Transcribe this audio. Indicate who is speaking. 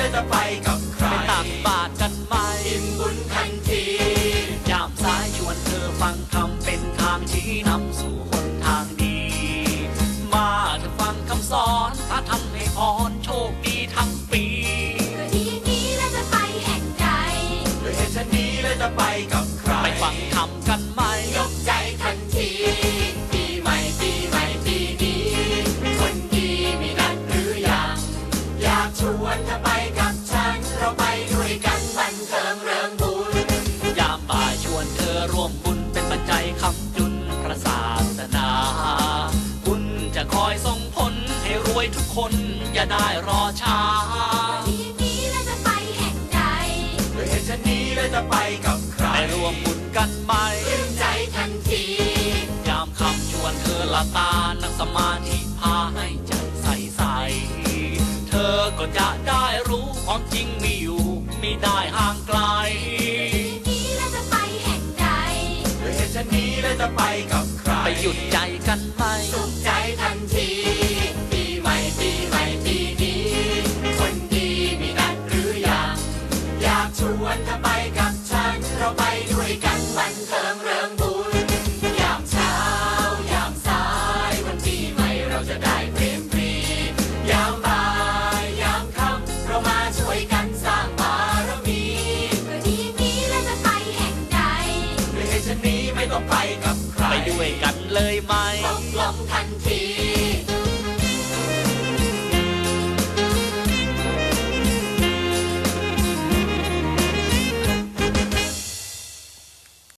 Speaker 1: แล้วจะไปกับใคร
Speaker 2: ไปตักบาตรกันไหม
Speaker 1: อิ่มบุญทันที
Speaker 2: ยามสายชวนเธอฟังคำเป็นทางชี้นำสู่หนทางดีมาเธอฟังคำสอนถ้าทำให้พรโชคดีทั้งปี
Speaker 3: ก็ดีนี้แล้วจะไปแห่งใด
Speaker 1: ด้วยเหตุฉันนี้แล้วจะไปกับใคร
Speaker 2: ไปฟังคำกันไหม
Speaker 1: ยกใจทันทีปีใหม่ปีนี้คนดีมีนัดหรือยังอยากชวนเธอไปกับฉันเราไปด้วยกันบันเทิงเริงบุญ
Speaker 2: ยามบ่ายชวนเธอร่วมบุญเป็นปัจจัยค้ำจุนพระศาสนาบุญจะคอยส่งผลให้รวยทุกคนอย่าได้รอช้า
Speaker 3: ทีนี้แล้วจะไปแห่งใด
Speaker 1: ด้วยเหตุฉันนี้แล้วจะไปกับใคร
Speaker 2: ไปร่วมบุญกันไหม
Speaker 1: ชื่นใจทันที
Speaker 2: ยามคำชวนเธอละตานั่งสมาธิพาให้ใจใสเธอก็จะได้รู้ความจริงมีอยู่ไม่ได้ห่างไกล
Speaker 3: ทีนี้แล้วจะไปแห่งใด
Speaker 1: ด้วยเหตุฉันนี้แล้วจะไปกับใคร
Speaker 2: ไปหยุดใจกันไหม
Speaker 1: สุขใจทันที